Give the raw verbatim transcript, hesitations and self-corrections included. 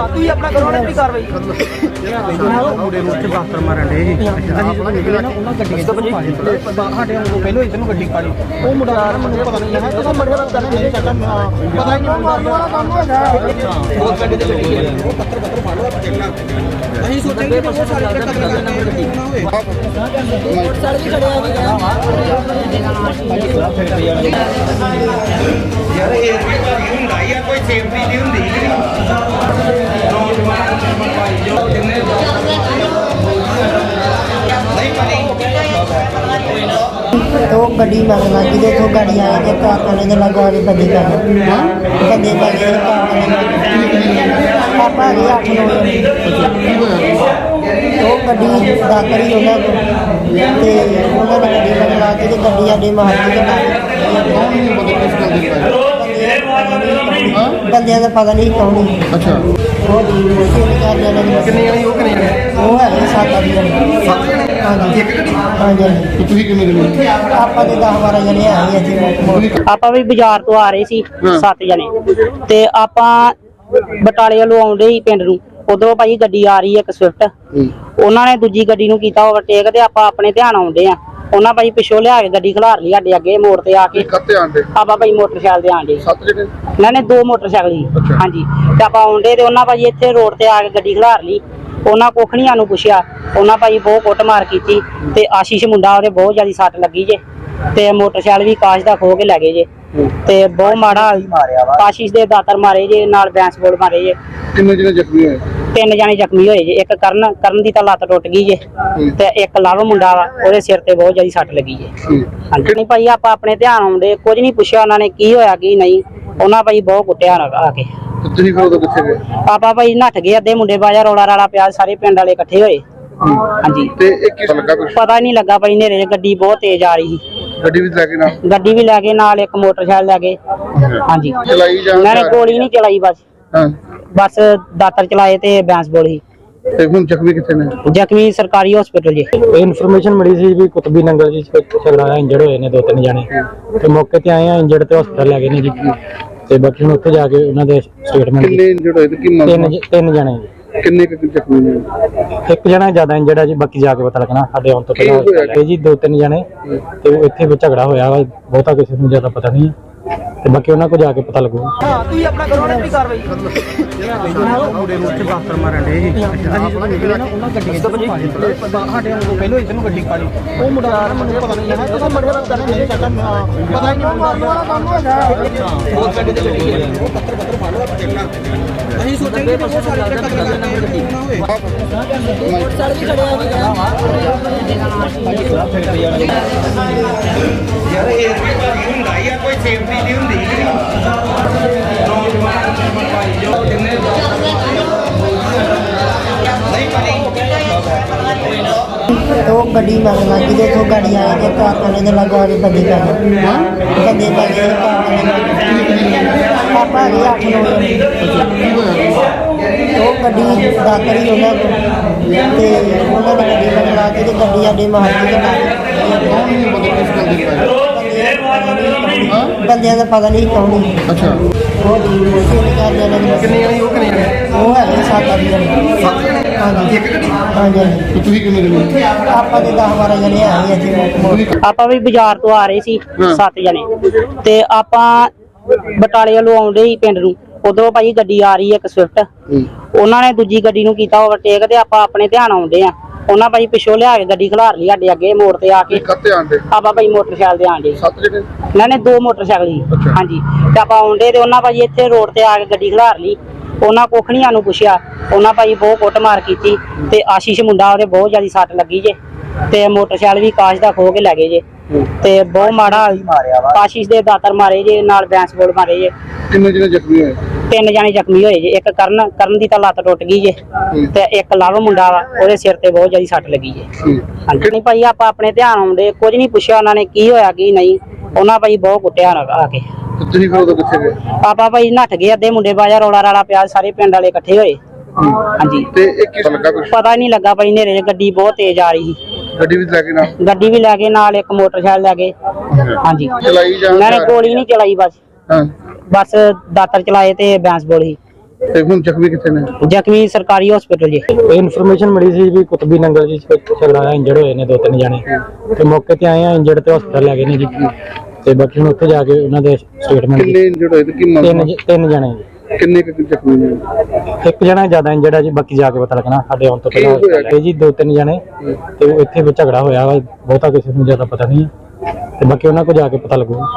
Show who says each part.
Speaker 1: ਤੁਸੀਂ ਆਪਣਾ ਕਰੋ ਨਾ ਕਾਰਵਾਈ
Speaker 2: ਮੁੰਡੇ ਨੂੰ ਉੱਥੇ ਬਾਸਤਰ ਮਾਰਨ ਦੇ ਜੀ ਅਸੀਂ ਜਦੋਂ ਨਿਕਲੇ ਨਾ ਉਹਨਾਂ ਗੱਡੀ ਤੋਂ ਸਾਡੇ ਨੂੰ ਪਹਿਲੋਂ ਇੱਧਰ ਨੂੰ ਗੱਡੀ ਕਾੜੀ ਉਹ ਮੁੰਡਾ ਮੈਨੂੰ ਪਤਾ ਨਹੀਂ ਹੈ ਜਦੋਂ ਮੜਿਆ ਪਤਾ ਨਹੀਂ ਚੱਕਰ ਪਤਾ ਨਹੀਂ ਉਹ ਮਾਰਨ ਵਾਲਾ ਕੰਮ ਹੈਗਾ ਬਹੁਤ ਗੱਡੀ ਤੇ ਗੱਡੀ ਉਹ ਪੱਤਰ ਪੱਤਰ ਫੜ ਲਓ ਚੱਲਣਾ ਅਸੀਂ ਸੋਚਾਂਗੇ ਕਿ ਉਹ ਸਾਰੇ ਜਿਹੜੇ ਕਤਲ ਕਰਨਾ ਗੱਡੀ ਨਾ ਹੋਵੇ ਮੋਟਰਸਾਈਕਲ ਵੀ ਖੜਿਆ ਹੋਇਆ
Speaker 3: ਯਾਰ ਇਹ ਵੀ ਭਾਰੀ ਹੁੰਦਾ ਹੀ ਆ ਕੋਈ ਸੇਫਟੀ ਨਹੀਂ ਹੁੰਦੀ
Speaker 4: तो गड्डी मगर लगी तो तो गाड़ी आई तो कार वाले ने लगा के बंदी कर बंदे लगे पापा गए आठ नौ तो गड्डी दातर ही होना ते उन्होंने गड्डी मगर ला के गड्डी आडे मार के बंदियां का पता नहीं कौन
Speaker 5: अच्छा
Speaker 4: वो
Speaker 5: कितने जने वो कितने जने
Speaker 4: वो है सात आठ जने
Speaker 5: सत्त जने
Speaker 4: हाँ जी
Speaker 5: एक गड्डी
Speaker 4: हाँ जी
Speaker 5: ਤੇ ਤੁਸੀਂ ਕਿੰਨੇ ਜਣੇ
Speaker 4: ਆਪਾਂ ਦੇ दस बारह जने आए ਇੱਥੇ
Speaker 6: ਆਪਾਂ ਵੀ ਬਾਜ਼ਾਰ ਤੋਂ ਆ ਰਹੇ ਸੀ ਸੱਤ ਜਣੇ ਤੇ ਆਪਾਂ ਬਟਾਲੇ ਵੱਲੋਂ ਆਉਂਦੇ ਹੀ ਪਿੰਡ ਨੂੰ ਉਧਰੋਂ ਭਾਈ ਗੱਡੀ ਆ ਰਹੀ ਹੈ ਇੱਕ ਸਵਿਫਟ ਉਹਨਾਂ ਨੇ ਦੂਜੀ ਗੱਡੀ ਨੂੰ ਕੀਤਾ ਓਵਰਟੇਕ ਤੇ ਆਪਾਂ ਆਪਣੇ ਧਿਆਨ ਆਉਂਦੇ ਆ ਉਹਨਾਂ ਭਾਈ ਪਿੱਛੋਂ ਲਿਆ ਕੇ ਗੱਡੀ ਖਿਲਾਰ ਲਈ ਸਾਡੇ ਅੱਗੇ ਮੋੜ ਤੇ ਆ ਕੇ
Speaker 5: ਕੱਤੇ ਆਂਦੇ
Speaker 6: ਆਪਾਂ ਭਾਈ ਮੋਟਰਸਾਈਕਲ ਤੇ ਆਂਦੇ
Speaker 5: ਸੱਤ ਜਣੇ
Speaker 6: ਇਹਨਾਂ ਨੇ ਦੋ ਮੋਟਰਸਾਈਕਲ ਸੀ ਹਾਂਜੀ ਤੇ ਆਪਾਂ ਆਉਂਦੇ ਤੇ ਉਹਨਾਂ ਭਾਈ ਇੱਥੇ ਰੋਡ ਤੇ ਆ ਕੇ ਗੱਡੀ ਖਿਲਾਰ ਲਈ ਉਹਨਾਂ ਕੋਖਣੀਆਂ ਨੂੰ ਪੁੱਛਿਆ ਉਹਨਾਂ ਭਾਈ ਬਹੁਤ ਕੁੱਟਮਾਰ ਕੀਤੀ ਤੇ ਆਸ਼ੀਸ਼ ਮੁੰਡਾ ਉਹਦੇ ਬਹੁਤ ਜ਼ਿਆਦਾ ਸੱਟ ਲੱਗੀ ਜੇ ਤੇ ਮੋਟਰਸਾਈਕਲ ਵੀ ਕਾਸ਼ ਦਾ ਖੋ ਕੇ ਲੈ ਗਏ ਜੇ ਤੇ ਬਹੁਤ ਮਾੜਾ ਆਸ਼ੀਸ਼ ਦੇ ਦਾਤਰ ਮਾਰੇ ਜੇ ਨਾਲ ਬੈਂਸ ਬੋਲ ਮਾਰੇ ਜੇ
Speaker 5: ਕਿੰਨੇ ਜਣੇ ਜ਼ਖਮੀ ਹੋਏ
Speaker 6: ਤਿੰਨ ਜਾਣੇ ਜ਼ਖਮੀ ਹੋਏ ਜੇ ਇੱਕ ਕਰਨ ਕਰਨ ਦੀ ਤਾਂ ਲੱਤ ਟੁੱਟ ਗਈ ਜੇ ਤੇ ਇੱਕ ਲਵ ਮੁੰਡਾ ਵਾ ਉਹਦੇ ਸਿਰ ਤੇ ਬਹੁਤ ਜ਼ਿਆਦਾ ਸੱਟ ਲੱਗੀ ਜੇ ਹਾਂਜੀ ਨਹੀਂ ਭਾਈ ਆਪਾਂ ਆਪਣੇ ਧਿਆਨ ਆਉਂਦੇ ਕੁਝ ਨਹੀਂ ਪੁੱਛਿਆ ਉਹਨਾਂ ਨੇ ਕੀ ਹੋਇਆ ਕੀ ਨਹੀਂ ਉਹਨਾਂ ਭਾਈ ਬਹੁਤ ਕੁੱਟਿਆ ਆ ਕੇ
Speaker 5: ਤੁਸੀਂ ਫਿਰ ਉਦੋਂ ਕਿੱਥੇ ਗਏ
Speaker 6: ਆਪਾਂ ਭਾਈ ਨੱਠ ਗਏ ਅੱਧੇ ਮੁੰਡੇ ਬਾਜਾ ਰੌਲਾ ਰਾਲਾ ਪਿਆ ਸਾਰੇ ਪਿੰਡ ਵਾਲੇ ਇਕੱਠੇ ਹੋਏ ਹਾਂਜੀ
Speaker 5: ਤੇ ਇਹ ਕਿਸ ਲੱਗਾ ਕੁਛ
Speaker 6: ਪਤਾ ਨਹੀਂ ਲੱਗਾ ਭਾਈ ਨੇਰੇ ਗੱਡੀ ਬਹੁਤ ਤੇਜ਼ ਆ ਰਹੀ ਸੀ
Speaker 5: ਗੱਡੀ ਵੀ ਲੈ ਕੇ ਨਾ
Speaker 6: ਗੱਡੀ ਵੀ ਲੈ ਗਏ ਨਾਲ ਇੱਕ ਮੋਟਰਸਾਈਕਲ ਲੈ ਗਏ ਹਾਂਜੀ
Speaker 5: ਚਲਾਈ ਜਾਂ
Speaker 6: ਉਹਨਾਂ ਨੇ ਗੋਲੀ ਨਹੀਂ ਚਲਾਈ ਬਸ
Speaker 5: ਹਾਂ
Speaker 6: ਬਸ ਦਾਤਰ ਚਲਾਏ ਤੇ ਬੈਂਸ ਬੋਲੀ
Speaker 5: ਤੇ ਹੁਣ ਜ਼ਖਮੀ ਕਿੱਥੇ ਨੇ
Speaker 6: ਜ਼ਖਮੀ ਸਰਕਾਰੀ ਹਸਪੀਟਲ ਜੀ
Speaker 2: ਇਨਫੋਰਮੇਸ਼ਨ ਮਿਲੀ ਸੀ ਵੀ ਕੁਤਬੀ ਨੰਗਲ ਜੀ ਝਗੜਾ ਹੋਇਆ ਇੰਜਰਡ ਹੋਏ ਨੇ ਦੋ ਤਿੰਨ ਜਣੇ ਤੇ ਮੌਕੇ ਤੇ ਆਏ ਆ ਇੰਜਰਡ ਤੇ ਹਸਪਤਾਲ ਲੈ ਗਏ ਨੇ ਜੀ ਤੇ ਬਾਕੀ ਹੁਣ ਉੱਥੇ ਜਾ ਕੇ ਉਹਨਾਂ ਦੇ ਸਟੇਟਮੈਂਟ
Speaker 5: ਕਿੰਨੇ ਇੰਜਰਡ ਹੋਏ ਤੇ ਕੀ ਮਾਮਲਾ
Speaker 2: ਤਿੰਨ ਤਿੰਨ ਜਣੇ ਜੀ
Speaker 5: ਕਿੰਨੇ ਕੁ ਜ਼ਖਮੀ ਨੇ
Speaker 2: ਇੱਕ ਜਣਾ ਜ਼ਿਆਦਾ ਇੰਜਰਡ ਹੈ ਜੀ ਬਾਕੀ ਜਾ ਕੇ ਪਤਾ ਲੱਗਣਾ ਸਾਡੇ ਆਉਣ ਤੋਂ ਪਹਿਲਾਂ ਇਹ ਜੀ ਦੋ ਤਿੰਨ ਜਣੇ ਤੇ ਉਹ ਇੱਥੇ ਵੀ ਝਗੜਾ ਹੋਇਆ ਵਾ ਬਹੁਤਾ ਕਿਸੇ ਨੂੰ ਜ਼ਿਆਦਾ ਪਤਾ ਨਹੀਂ ਤੇ ਬਾਕੀ ਉਹਨਾਂ ਕੋਲ ਜਾ ਕੇ ਪਤਾ ਲੱਗੂ
Speaker 1: ਹਾਂ ਤੁਸੀਂ ਆਪਣਾ ਕਰੋ ਨਾ ਕਾਰਵਾਈ
Speaker 2: ਮੁੰਡੇ ਨੂੰ ਉੱਥੇ ਬਾਸਤਰ ਮਾਰਨ ਦੇ ਜੀ ਅਸੀਂ ਜਦੋਂ ਨਿਕਲੇ ਨਾ ਉਹਨਾਂ ਗੱਡੀ ਤੋਂ ਸਾਡੇ ਨੂੰ ਪਹਿਲੋਂ ਇੱਧਰ ਨੂੰ ਗੱਡੀ ਕਾੜੀ ਉਹ ਮੁੰਡਾ ਮੈਨੂੰ ਪਤਾ ਨਹੀਂ ਹੈ ਜਦੋਂ ਮੜਿਆ ਪਤਾ ਨਹੀਂ ਚੱਕਰ ਪਤਾ ਨਹੀਂ ਉਹ ਮਾਰਨ ਵਾਲਾ ਕੰਮ ਹੈਗਾ ਬਹੁਤ ਗੱਡੀ ਤੇ ਗੱਡੀ ਉਹ ਪੱਤਰ ਪੱਤਰ ਫੜ ਲਓ ਚੱਲਣਾ ਅਸੀਂ ਸੋਚਾਂਗੇ ਕਿ ਉਹ ਸਾਰੇ ਜਿਹੜੇ ਕਤਲ ਕਰਨਾ ਗੱਡੀ ਨਾ ਹੋਵੇ
Speaker 4: ਮੋਟਰਸਾਈਕਲ ਵੀ ਖੜਿਆ ਹੋਇਆ
Speaker 3: ਯਾਰ ਇਹ ਵੀ ਭਾਰੀ ਹੁੰਦਾ ਹੀ ਆ ਕੋਈ ਸੇਫਟੀ ਨਹੀਂ ਹੁੰਦੀ
Speaker 4: तो गड्डी मगर लगी तो तो गाड़ी आई तो कार वाले ने लगा के बंदी कर बंदे लगे पापा गए आठ नौ तो गड्डी दातर ही होना ते उन्होंने गड्डी मगर ला के गड्डी आडे मार के बंदियां का पता नहीं कौन
Speaker 5: अच्छा
Speaker 4: वो
Speaker 5: किन्ने जने वो किन्ने जने
Speaker 4: वो है सात आठ जने
Speaker 5: सत्त जने
Speaker 4: हाँ जी
Speaker 5: एक गड्डी
Speaker 4: हाँ जी
Speaker 5: ਤੇ ਤੁਸੀਂ ਕਿੰਨੇ ਜਣੇ
Speaker 4: ਆਪਾਂ ਦੇ दस बारह जने आए ਇੱਥੇ
Speaker 6: ਆਪਾਂ ਵੀ ਬਾਜ਼ਾਰ ਤੋਂ ਆ ਰਹੇ ਸੀ ਸੱਤ ਜਣੇ ਤੇ ਆਪਾਂ ਬਟਾਲੇ ਵੱਲੋਂ ਆਉਂਦੇ ਹੀ ਪਿੰਡ ਨੂੰ ਉਧਰੋਂ ਭਾਈ ਗੱਡੀ ਆ ਰਹੀ ਹੈ ਇੱਕ ਸਵਿਫਟ ਉਹਨਾਂ ਨੇ ਦੂਜੀ ਗੱਡੀ ਨੂੰ ਕੀਤਾ ਓਵਰਟੇਕ ਤੇ ਆਪਾਂ ਆਪਣੇ ਧਿਆਨ ਆਉਂਦੇ ਆ ਉਹਨਾਂ ਭਾਈ ਪਿੱਛੋਂ ਲਿਆ ਕੇ ਗੱਡੀ ਖਿਲਾਰ ਲਈ ਸਾਡੇ ਅੱਗੇ ਮੋੜ ਤੇ ਆ ਕੇ
Speaker 5: ਕੱਤੇ ਆਂਦੇ
Speaker 6: ਆਪਾਂ ਭਾਈ ਮੋਟਰਸਾਈਕਲ ਤੇ ਆਂਦੇ
Speaker 5: ਸੱਤ ਜਣੇ
Speaker 6: ਇਹਨਾਂ ਨੇ ਦੋ ਮੋਟਰਸਾਈਕਲ ਸੀ ਹਾਂਜੀ ਤੇ ਆਪਾਂ ਆਉਂਦੇ ਤੇ ਉਹਨਾਂ ਭਾਈ ਇੱਥੇ ਰੋਡ ਤੇ ਆ ਕੇ ਗੱਡੀ ਖਿਲਾਰ ਲਈ ਉਹਨਾਂ ਕੋਖਣੀਆਂ ਨੂੰ ਪੁੱਛਿਆ ਉਹਨਾਂ ਭਾਈ ਬਹੁਤ ਕੁੱਟਮਾਰ ਕੀਤੀ ਤੇ ਆਸ਼ੀਸ਼ ਮੁੰਡਾ ਉਹਦੇ ਬਹੁਤ ਜ਼ਿਆਦਾ ਸੱਟ ਲੱਗੀ ਜੇ ਤੇ ਮੋਟਰਸਾਈਕਲ ਵੀ ਕਾਸ਼ ਦਾ ਖੋ ਕੇ ਲੈ ਗਏ ਜੇ ਤੇ ਬਹੁਤ ਮਾੜਾ ਆਸ਼ੀਸ਼ ਦੇ ਦਾਤਰ ਮਾਰੇ ਜੇ ਨਾਲ ਬੈਂਸ ਬੋਲ ਮਾਰੇ ਜੇ
Speaker 5: ਕਿੰਨੇ ਜਣੇ ਜ਼ਖਮੀ ਹੋਏ
Speaker 6: ਤਿੰਨ ਜਾਣੇ ਜ਼ਖਮੀ ਹੋਏ ਜੇ ਇੱਕ ਕਰਨ ਕਰਨ ਦੀ ਤਾਂ ਲੱਤ ਟੁੱਟ ਗਈ ਜੇ ਤੇ ਇੱਕ ਲਵ ਮੁੰਡਾ ਵਾ ਉਹਦੇ ਸਿਰ ਤੇ ਬਹੁਤ ਜ਼ਿਆਦਾ ਸੱਟ ਲੱਗੀ ਜੇ ਹਾਂਜੀ ਨਹੀਂ ਭਾਈ ਆਪਾਂ ਆਪਣੇ ਧਿਆਨ ਆਉਂਦੇ ਕੁਝ ਨਹੀਂ ਪੁੱਛਿਆ ਉਹਨਾਂ ਨੇ ਕੀ ਹੋਇਆ ਕੀ ਨਹੀਂ ਉਹਨਾਂ ਭਾਈ ਬਹੁਤ ਕੁੱਟਿਆ ਆ ਕੇ
Speaker 5: ਤੁਸੀਂ ਫਿਰ ਉਦੋਂ ਕਿੱਥੇ ਗਏ
Speaker 6: ਆਪਾਂ ਭਾਈ ਨੱਠ ਗਏ ਅੱਧੇ ਮੁੰਡੇ ਬਾਜਾ ਰੌਲਾ ਰਾਲਾ ਪਿਆ ਸਾਰੇ ਪਿੰਡ ਵਾਲੇ ਇਕੱਠੇ ਹੋਏ ਹਾਂਜੀ
Speaker 5: ਤੇ ਇਹ ਕਿਸ ਲੱਗਾ ਕੁਛ
Speaker 6: ਪਤਾ ਨਹੀਂ ਲੱਗਾ ਭਾਈ ਨੇਰੇ ਗੱਡੀ ਬਹੁਤ ਤੇਜ਼ ਆ ਰਹੀ ਸੀ
Speaker 5: ਗੱਡੀ ਵੀ ਲੈ ਕੇ ਨਾ
Speaker 6: ਗੱਡੀ ਵੀ ਲੈ ਗਏ ਨਾਲ ਇੱਕ ਮੋਟਰਸਾਈਕਲ ਲੈ ਗਏ ਹਾਂਜੀ
Speaker 5: ਚਲਾਈ ਜਾਂ
Speaker 6: ਉਹਨਾਂ ਨੇ ਗੋਲੀ ਨਹੀਂ ਚਲਾਈ ਬਸ
Speaker 5: ਹਾਂ
Speaker 6: ਬਸ ਦਾਤਰ ਚਲਾਏ ਤੇ ਬੈਂਸ ਬੋਲੀ
Speaker 5: ਤੇ ਹੁਣ ਜ਼ਖਮੀ ਕਿੱਥੇ ਨੇ?
Speaker 6: ਜ਼ਖਮੀ ਸਰਕਾਰੀ ਹਸਪੀਟਲ ਜੀ।
Speaker 7: ਇਹ ਇਨਫੋਰਮੇਸ਼ਨ ਮਿਲੀ ਸੀ ਵੀ ਕੁਤਬੀ ਨੰਗਲ ਜੀ ਝਗੜਾ ਇੰਜਰਡ ਹੋਏ ਨੇ ਦੋ ਤਿੰਨ ਜਣੇ ਤੇ ਮੌਕੇ ਤੇ ਆਏ ਆ ਇੰਜਰਡ ਤੇ ਹਸਪਤਾਲ ਲੈ ਗਏ ਨੇ ਜੀ ਤੇ ਬਾਕੀ ਹੁਣ ਉੱਥੇ ਜਾ ਕੇ ਉਹਨਾਂ ਦੇ ਸਟੇਟਮੈਂਟ
Speaker 5: ਕਿੰਨੇ ਇੰਜਰਡ ਹੋਏ ਤੇ ਕੀ
Speaker 7: ਤਿੰਨ
Speaker 5: ਮੰਗ
Speaker 7: ਜ- ਤਿੰਨ ਜਣੇ ਜੀ।
Speaker 5: ਕਿੰਨੇ ਕੁ ਜ਼ਖਮੀ ਨੇ?
Speaker 7: ਇੱਕ ਜਣਾ ਜ਼ਿਆਦਾ ਇੰਜਰਡ ਹੈ ਜੀ ਬਾਕੀ ਜਾ ਕੇ ਪਤਾ ਲੱਗਣਾ ਸਾਡੇ ਆਉਣ ਤੋਂ
Speaker 5: ਕੀ
Speaker 7: ਪਹਿਲਾਂ
Speaker 5: ਹੋਇਆ?
Speaker 7: ਇਹ ਜੀ ਦੋ ਤਿੰਨ ਜਣੇ ਤੇ ਉਹ ਇੱਥੇ ਵੀ ਝਗੜਾ ਹੋਇਆ ਵਾ ਬਹੁਤਾ ਕਿਸੇ ਨੂੰ ਜ਼ਿਆਦਾ ਪਤਾ ਨਹੀਂ ਹੈ ਤੇ ਬਾਕੀ ਉਹਨਾਂ ਕੋਲ ਜਾ ਕੇ ਪਤਾ ਲੱਗੂ।